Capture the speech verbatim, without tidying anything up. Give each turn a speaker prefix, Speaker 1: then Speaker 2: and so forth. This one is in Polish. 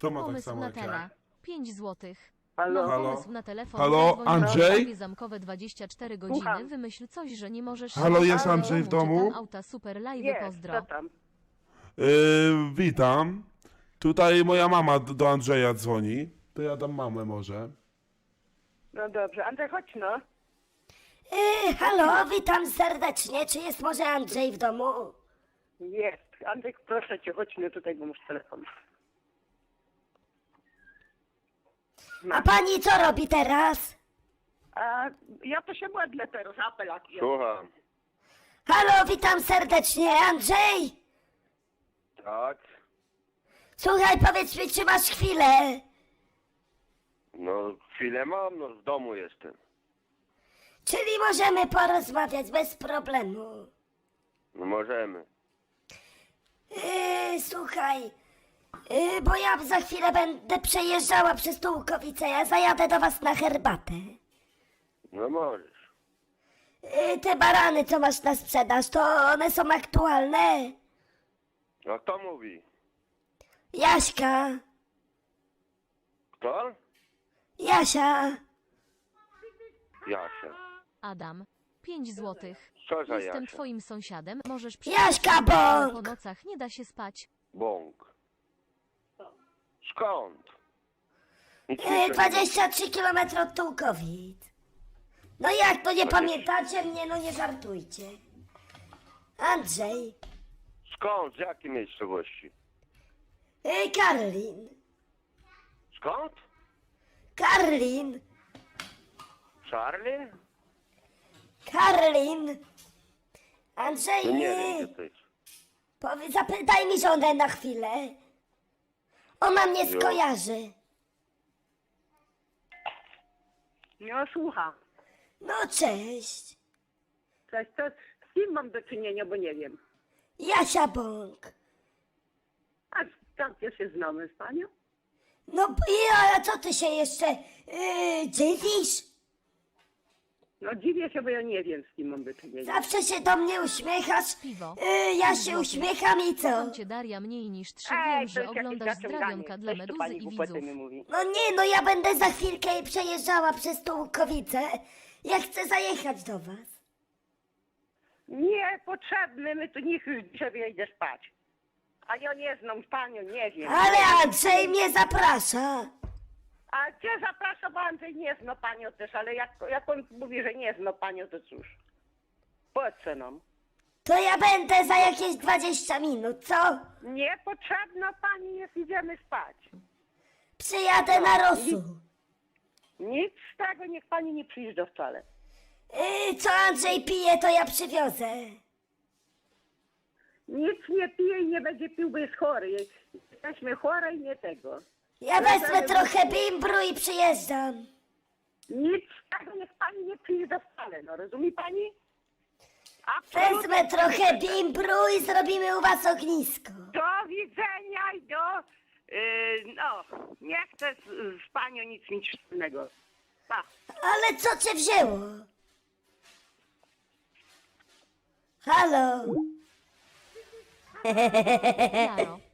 Speaker 1: Kto ma tak
Speaker 2: Pomysł
Speaker 1: samo
Speaker 2: na
Speaker 1: jak ja?
Speaker 2: tela. pięć złotych.
Speaker 3: Halo?
Speaker 2: Mam
Speaker 1: Halo?
Speaker 2: pomysł na telefon.
Speaker 1: Halo?
Speaker 2: Zadzwoń na
Speaker 1: Andrzej?
Speaker 2: pocztowie zamkowe dwadzieścia cztery godziny.
Speaker 3: Słucham.
Speaker 2: Wymyśl coś, że nie możesz...
Speaker 1: Halo,
Speaker 2: siedzieć
Speaker 1: jest
Speaker 2: w
Speaker 1: Andrzej w domu?
Speaker 2: Czytam auta, super live,
Speaker 3: Jest,
Speaker 2: pozdro.
Speaker 3: co tam?
Speaker 1: Yy, witam. Tutaj moja mama d- do Andrzeja dzwoni. To ja dam mamę może.
Speaker 3: No dobrze, Andrzej, chodź no.
Speaker 4: Yy, halo, witam serdecznie. Czy jest może Andrzej w domu?
Speaker 3: Jest. Andrzej, proszę cię, chodź no tutaj, bo masz telefon.
Speaker 4: A pani co robi teraz?
Speaker 3: A ja to się modlę teraz, apelak.
Speaker 5: Słucham.
Speaker 4: Halo, witam serdecznie. Andrzej?
Speaker 5: Tak?
Speaker 4: Słuchaj, powiedz mi, czy masz chwilę?
Speaker 5: No chwilę mam, no w domu jestem.
Speaker 4: Czyli możemy porozmawiać bez problemu.
Speaker 5: No możemy.
Speaker 4: Yy, słuchaj, yy, bo ja za chwilę będę przejeżdżała przez Tułkowice. Ja zajadę do was na herbatę.
Speaker 5: No możesz.
Speaker 4: Yy, te barany, co masz na sprzedaż, to one są aktualne?
Speaker 5: A kto mówi?
Speaker 4: Jaśka,
Speaker 5: Kto?
Speaker 4: Jasia.
Speaker 5: Jasia.
Speaker 2: Adam. pięć złotych.
Speaker 5: Co za
Speaker 2: Jestem
Speaker 5: Jasia?
Speaker 2: twoim sąsiadem. Możesz
Speaker 4: Jaśka
Speaker 2: ale po
Speaker 4: Bąk!
Speaker 2: nocach nie da się spać.
Speaker 5: Bąk. Skąd? Nic mi się
Speaker 4: Yy,
Speaker 5: nie-
Speaker 4: dwadzieścia trzy kilometry od Tułkowic. No jak, to nie
Speaker 5: dwadzieścia
Speaker 4: pamiętacie mnie? No nie żartujcie. Andrzej.
Speaker 5: Skąd? Z jakiej miejscowości?
Speaker 4: Yy, Karlin.
Speaker 5: Skąd?
Speaker 4: Karlin.
Speaker 5: Charlie?
Speaker 4: Karlin. Andrzej,
Speaker 5: No nie
Speaker 4: yy,
Speaker 5: wiem gdzie to jest.
Speaker 4: powie, zapytaj mi żonę na chwilę. Ona mnie
Speaker 5: Jo.
Speaker 4: skojarzy.
Speaker 3: No słucham.
Speaker 4: No cześć.
Speaker 3: Cześć, to z kim mam do czynienia, bo nie wiem.
Speaker 4: Jasia Bąk.
Speaker 3: A tam też się znamy z panią?
Speaker 4: No i a co ty się jeszcze yy, dziwisz?
Speaker 3: No dziwię się, bo ja nie wiem, z kim mam do czynienia.
Speaker 4: Zawsze się do mnie uśmiechasz.
Speaker 2: Piwo.
Speaker 4: Yy, ja
Speaker 2: pięć
Speaker 4: się
Speaker 2: złotych.
Speaker 4: uśmiecham i co?
Speaker 2: Kocham cię, Daria, mniej niż trzy.
Speaker 3: Ej,
Speaker 2: Wiem,
Speaker 3: to
Speaker 2: że
Speaker 3: jest jakieś
Speaker 2: oglądasz
Speaker 3: zaciąganie.
Speaker 2: zdrawionka dla
Speaker 3: Coś tu
Speaker 2: meduzy
Speaker 3: pani
Speaker 2: i
Speaker 3: głupoty
Speaker 2: widzów.
Speaker 3: mi mówi.
Speaker 4: No nie, no ja będę za chwilkę i przejeżdżała przez Tułkowice. Ja chcę zajechać do was.
Speaker 3: Niepotrzebny, my tu niech już sobie idzie spać. A ja nie znam panią, nie wiem.
Speaker 4: Ale Andrzej mnie zaprasza.
Speaker 3: A cię zapraszam, bo Andrzej nie zna panią też, ale jak, jak on mówi, że nie zna panią, to cóż. Po co nam?
Speaker 4: To ja będę za jakieś dwadzieścia minut, co?
Speaker 3: Niepotrzebna pani jest, idziemy spać.
Speaker 4: Przyjadę na Rosu.
Speaker 3: Nic z tego, niech pani nie przyjeżdża wcale.
Speaker 4: Yy, co Andrzej pije, to ja przywiozę.
Speaker 3: Nic nie pije i nie będzie pił, bo jest chory. Jesteśmy chore i nie tego.
Speaker 4: Ja wezmę trochę bimbru i przyjeżdżam.
Speaker 3: Nic z tego, niech pani nie przyjeżdża wcale, no rozumie pani? Absolutnie.
Speaker 4: Wezmę trochę bimbru i zrobimy u was ognisko.
Speaker 3: Do widzenia i do... Yy, no, nie chcę z, z panią nic mieć wspólnego. Pa.
Speaker 4: Ale co cię wzięło? Halo?
Speaker 2: Jaro.